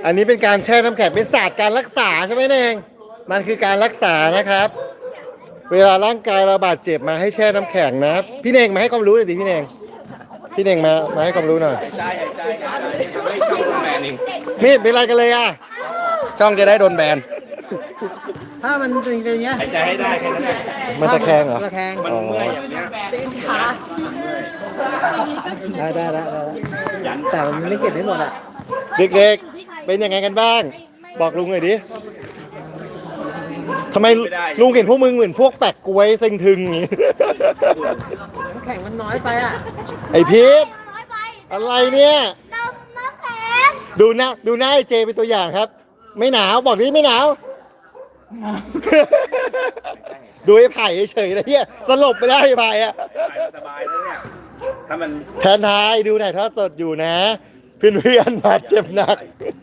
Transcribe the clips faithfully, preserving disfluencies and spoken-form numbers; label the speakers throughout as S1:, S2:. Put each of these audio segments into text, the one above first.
S1: อันนี้เป็นการแช่น้ำแข็งเป็นศาสตร์การรักษาใช่ไหมเองมันคือการรักษานะครับ เวลาร่างกายเราบาดเจ็บมาให้แช่น้ำแข็งนะพี่เน่งมาให้ความรู้หน่อยดิพี่เน่งพี่เน่งมามาให้ความรู้หน่อย
S2: ใจหายใจหายใจไม่ช่องโดนแบนเอง
S1: มีดเป็นไรกันเลยอ่ะ
S2: ช่องจะได้โดนแบน
S3: ถ้ามันเป็นอย่างเงี้ย
S2: หายใจให้ได้แค่นั้นแหละ
S1: มันตะแคงเหรอ
S3: ตะแคง
S2: มันเมื่อยอย่างเนี้ย
S3: ตีนขาได้ได้ได้ได้แต่มันไม่เก็บไม่หมดอ่ะ
S1: เด็กๆเป็นยังไงกันบ้าง บอกลุงหน่อยดิทำไมลุงเห็นพวกมึงเหมือนพวกแปะกล้วยเซ็งทึงอย่างงี้
S3: น้ำแข็งมันน้อยไปอ่ะ
S1: ไอพีท
S4: น้อยไป
S1: อะไรเนี่ย
S4: น้ำน้ำแข็ง
S1: ดูหน้าดูหน้าไอเจเป็นตัวอย่างครับ ไม่หนาวบอกดิไม่หนาว ดูไอ้ไผ่เฉยๆนะเฮียสลบไปแล้วไอ้ไผ่อะ
S2: สบายแล้วเนี่ยถ้ามัน
S1: แทนทายดูถ่ายทอดสดอยู่นะ เพื่อนๆบาดเจ็บหนัก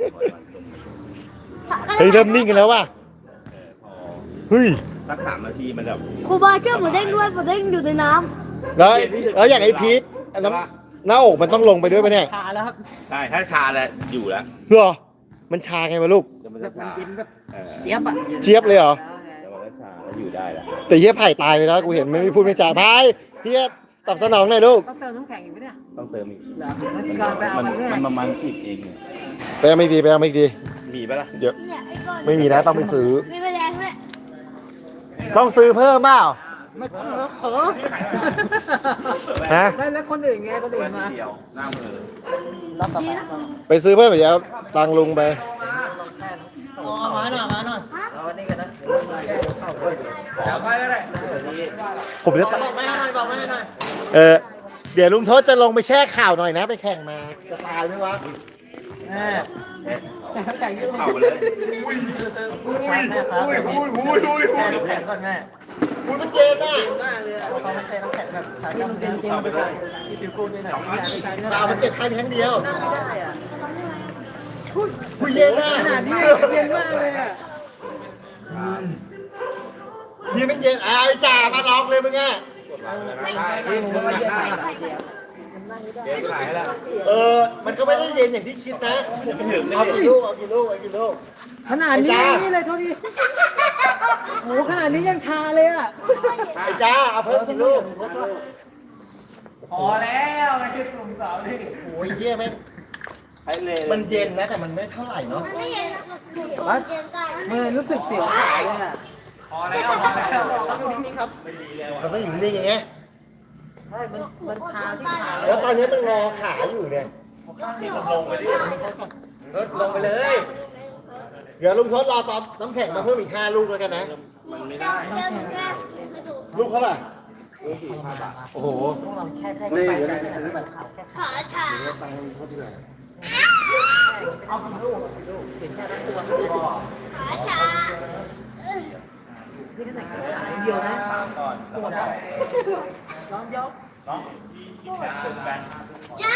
S1: เฮ้ยเริ่มนิ่งกันแล้วว่ะเฮ้ย
S2: สักสามนาทีมันแบบ
S4: ครูบาเชื่อหมูเด้งด้วยหมูเด้งอยู่ในน้
S1: แล้วแล้วอย่างไอ้พีทน้ำหน้าอกมันต้องลงไปด้วยปะเนี่ย
S3: ชาแล้วครับ
S2: ใช่ถ้าชาแล้วอยู่แล้ว
S1: เหรอมันชาไงวะลูก
S2: เดี๋ยวมัน
S3: แบ
S2: จะ
S3: บมัน
S2: ชา
S3: เย็นแบบ
S2: เออ
S3: เจี๊ยบอ่ะ
S1: เจี๊ยบเลยเหรอ
S2: เดี๋ยวมันจะชาแล้วอยู่ได้แล้ว
S1: แต่เฮียไผ่ตายไปแล้วกูเห็นไม่มีพูดไม่จาพายเฮียตอบสนองหน่อยลูก
S3: ต้องเติมน้ำแข็งอีกไหมเนี่ย
S2: ต้องเติมอีก
S3: เหรอมันก่อนไปเอา
S2: มัน
S3: ไปด้วย
S2: มันประมาณสิบเองเนี่ย
S1: ไปเอาไม่ดีไปเอาไม่ดี
S2: มีปะล่ะ
S1: เดี๋ยว
S4: ำเนี่ยไอ้ก้อน
S1: ไม่มีนะต้องไปซื้อ
S4: มีแมลงด้วย
S1: ต้องซื้อเพิ่มเปล่า
S3: ไม่ต้องแล้วขอ
S1: ฮะ
S3: ไม่แล้วคนอื่นไงคนอื่นมา
S2: เดียวหน้ามือ
S3: รอบต่อไป
S1: ไปซื้อเพิ่มเดี๋ยวตังค์ลุงไป
S3: เอาเอามาหน่อยมาหน่อยเอาอันนี้กันนะแก้เข้าไป
S2: แล้วไปแล้วเลย
S1: ผมจะ
S3: บอกไม่ให้หน่อยบอกไม่ให้หน่อย
S1: เออเดี๋ยวลุงทศจะลงไปแช่ข่าวหน่อยนะ ไปแข่งมาจะตายไหมวะ
S3: แม่น้ำแข็งยืด
S2: เข้าไปเลย
S3: อุ้ยอุ้ยอุ้ยอุ้ยอุ้ยแช่น้ำแข็งก่อนแม่
S1: คุณมันเจ็บอ่ะ
S3: เย็นมากเลยอะเขาไม่ใช่น้ำแข็งแบบสายน้ำเย็นจริงไปเลยที่ผิวกูนี่หน่อยไม่ได้ไม่ได้ไม่
S1: ข่าวมันเจ็บแค่ครั้งเดียว
S3: นั่งไม่ได้อ่ะ
S1: คุยเย็นอ่ะ
S3: ขนาดนี้เย็นมากเลยอ่ะ
S1: นี่มันเย็นอ่ะไอ้จ่ามาลองเลยมึงอ่ะ
S2: เดี๋ยวขายแล้ว
S1: เออมันก็ไม่ได้เย็นอย่างที่คิดนะเอากี่ลูกเอากี่ลูกเอากี่ลูก
S3: ขนาดนี้นี่เลยเท่านี้โหขนาดนี้ยังชาเลยอ่ะ
S1: ไอ้จ้าเอาเพิ่มกี่ลูก
S2: พอแล้วไม่ใช่กลุ่มสาวนี่
S1: โอ้ยเฮียแม่ง
S2: ให้เลย
S1: มันเย็นนะแต่มันไม่เท่าไหร่เนาะ
S4: ไม่เย็นหนูเย็นได้
S3: มันรู้สึกเสียวขาเลยอ่ะ
S2: พอแล้วพอแล้ว
S3: ต้องนิ่งๆครับ
S1: เราต้องอยู่นิ่งอย่างเงี้ย
S3: ใช่มันมันชาที่ขา
S1: แล้วตอนนี้มันงอขาอยู่เนี่ย
S2: ลงไปดิ
S1: ลงไปเลย เดี๋ยวลุงทดรอตอนน้ำแข็งมาเพิ่มอีกห้าลูกแล้วกันนะ
S2: มันไม่ได้
S4: เดินแค่
S1: ลูกเขาล่ะโอ้โห
S3: ต้องลองแค่แค่
S1: นี่
S3: ไป
S1: เดี๋ยว
S3: ไป
S1: นะ
S3: ซื้อแบบขาวแค่
S4: ขาชา
S3: เอากี่ลูกลูกเห็นแค่ทั้งตัว
S4: ขาชา
S3: นี่ขนาดขาเดียวนะปวดนะลองยก
S4: ย่า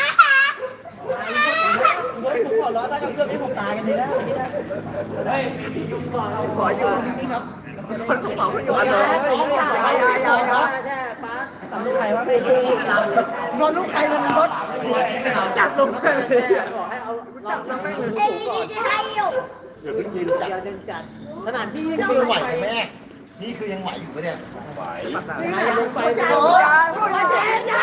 S3: เฮ้ยผมขอร้องถ้ากับเรื่องนี้ผมตายกันเลยนะเฮ้ยขออยู่นี่ครับคนกระเป๋าไม่อยู่อะไรยายายายาแช่ป้าสำลูกใครว่าไม่รู้นอนลูกใครนอนรถจับลงไปเลยบอกให้เอาจับลงไปเลย
S4: ไอ้นี่ที่ให้อยู่
S1: เดี๋ยวเพิ่งยืนจับ
S3: เดี๋ยวเดินจัดขนาดที่
S1: นี่คือไหวไหมแม่ นี่คือยังไหวอยู่ปะเนี่ย
S2: ไหว
S3: นี่ไหนลงไปโอ้ยพูดเย็นนะ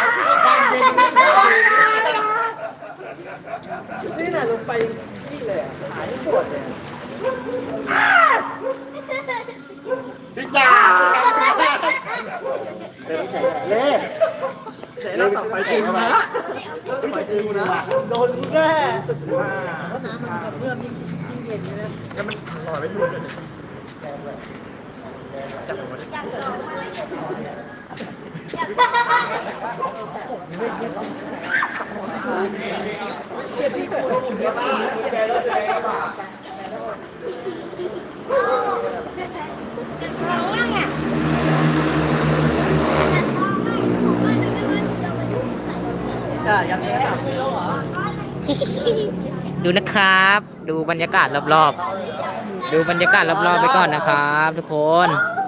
S3: นี่น่ะลงไปนี่เลยหายปวดเลย
S1: พี่จ่าเดี๋ยวน้ำแข็งเล่
S3: เสร็จแล้วต่อไปจริงนะไปจริงนะโดนแน่เพราะน้ำมันกระเพื่อมยิ่งยิ่งเย็นใช่ไหม
S1: แล้วมันลอยไปหลุดเลย
S4: อยากลองมาเลยอยาก
S3: เก็บที่ควรเก็บบ้าง
S4: ลองมั่งอ่ะ
S3: จ้ายังไงครับ
S5: ดูนะครับ ดูบรรยากาศรอบๆ ดูบรรยากาศรอบๆไปก่อนนะครับ ทุกคน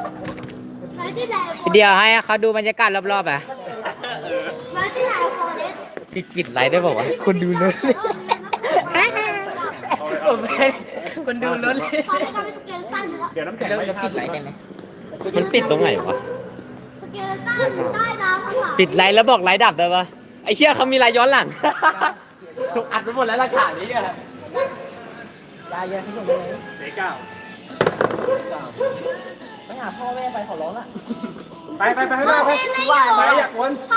S5: เดี๋ยวให้เขาดูบรรยากาศรอบๆอ่ะ
S4: มาที่ไหนฟอเรส
S5: ปิดปิดไลฟ์ได้บอกว่าคนดูเลยโอ้ผมเป็นคนดูรถเลย
S4: ตอนนี้ก็เป็นสเกลตันแล้ว
S2: เดี๋ยวน้ำแข็ง
S5: แล้ว
S2: ไม่
S5: จะปิดไลท์ได้ไหม
S6: มันปิดตรงไหนวะ
S4: สเกลตันใต้น้ำข้างหลัง
S6: ปิดไลท์แล้วบอกไลท์ดับได้ปะไอ้เชี่ยเขามีไลท์ย้อนหลัง
S5: ถูกอัดไปหมดแล้วหลักฐานนี้เนี่ย
S3: ยายยายที่ผมเลย
S2: เด็กเก้า
S3: ไปหาพ่อแม่ไปขอร้องละ
S2: ไปไปไปไปไปไปไปอยากวนไป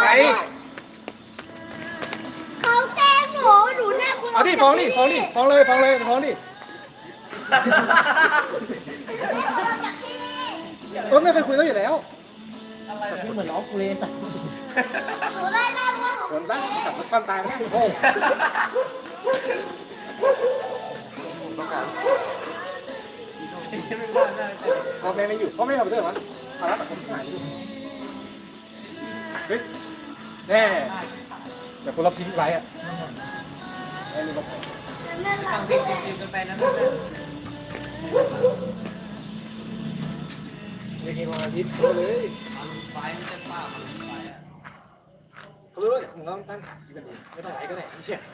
S4: เขาแกล้งหนูหนูแน่คุณ
S2: เอาดิฟ้องดิฟ้องดิฟ้องเลยฟ้องเลยฟ้องดิเออไม่เคยคุยกันอยู่แล้ว
S3: พี่เหมือนน้องกูเลยแต่
S4: หนูไล่ล่าเพราะหนู
S2: วนซะสับความตายไม่โอ้พ่อแม่ไม่อยู่พ่อแม่ทำเรื่องวะภาระแบบคนที่หายอยู่เฮ้ยแน่แต่คนเราทิ้งไว้อะ
S5: ทางเบรกชิวๆกันไปนะ
S2: เด็กวันอาทิตย์เขาเลย
S5: ไฟมันจะป้าไฟอ่ะ
S2: เขารู้ว่ามึงต้องตั้งขาคิดกันดีไม่ต้องไหนก็ไหนเชี่ย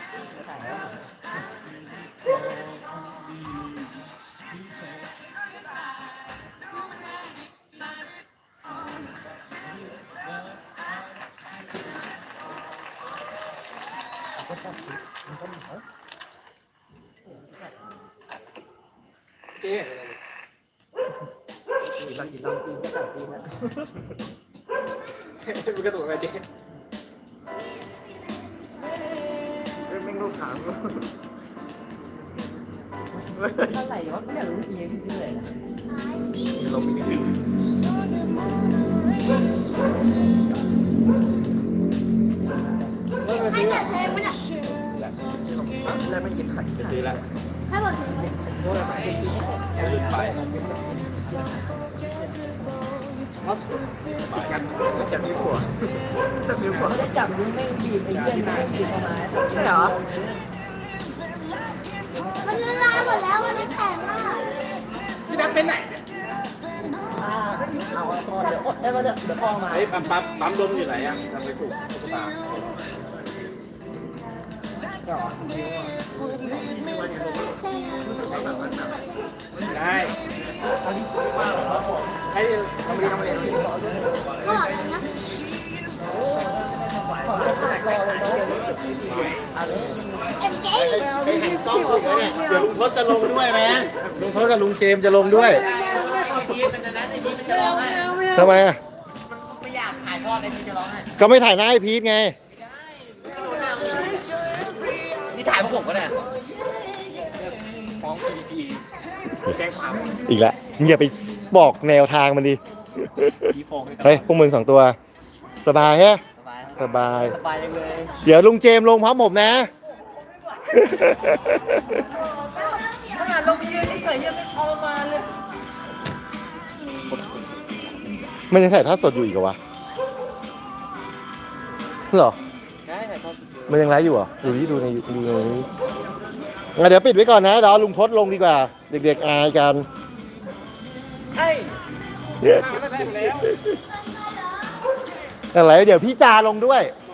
S2: เจ๊อะไรเนี่ย
S3: บางทีลองกินก็ต่างกินนะ
S2: มันกระตุกอะไรเจ๊
S3: ไม่รู้ถามอะไรวะไม่รู้จริงๆเลยนะ
S2: ลงไปนิดนึง
S4: ให้เปิดเพลงไหมเนี่ย
S3: แล้วไม่กินไข่จะซื้อละ
S4: ให้เปิดเพลงไหม
S2: กันแล้วจะมีหัวจะมีหัว
S3: เขาจะจับนิ้วแม่งบีบไอ้เหี้ยแม่งบีบเข้ามาใช่เหรอ
S4: มันละลายหมดแล้วมันแข็งมาก
S2: พี่นัทเป็นไหนเนี่ย
S3: อ่าเอาคอเดี๋ยวอดได้ป่ะเนี่ยเดี๋ยวพ่อมา
S2: ไอ้ปั๊มปั๊มปั๊มลมอยู่ไหนอ่ะทำไปสู่ตุ๊กตาได้ให้ทำเรียนทำเรียน
S4: ก็อะไรนะ
S3: ขอจะตัดรอเลยน้องเดี๋ยวนี้อะไร
S4: เอ็มเจ
S1: ไอ้หันกล้องคุยกันเนี่ยเดี๋ยวลุงทศจะลงด้วยนะลุงทศกับลุงเจมส์จะลงด้วย
S5: พีมันนะไอ้พีมันจะร้องไห้
S1: ทำไมอ่ะ
S5: ไม่อยากถ่ายทอดไอ้พีจะร้องไห้
S1: ก็ไม่ถ่ายหน้าไอ้พีทไง
S5: นี่ถ่ายพวกผมก็ได้
S2: ฟ้องพีพีแจ้งความ
S1: อีกแล้วมึงอย่าไปบอกแนวทางมันดิ
S2: พีฟ้องเลย
S1: เฮ้ยพวกมึงสองตัว สบายฮะ
S5: สบาย
S1: สบาย
S5: สบายจังเลย
S1: เดี๋ยวลุงเจมส์ลงพร้อมผมนะ
S3: ขนาดลงไปยืนเฉยๆยังไม่ทรมานเลย
S1: มันยังถ่ายทอดสดอยู่อีกเหรอวะเหรอ
S5: ได้ถ่ายทอดสด
S1: มันยังไลฟ์อยู่เหรอ ดูที่ดูในดูในนี้งั้นเดี๋ยวปิดไว้ก่อนนะเดี๋ยวเอาลุงทศลงดีกว่า เด็กๆอายกัน
S2: ใช่มาตั้งแต่แล้ว
S1: อะไรเดี๋ยวพี่จาลงด้วย
S4: เ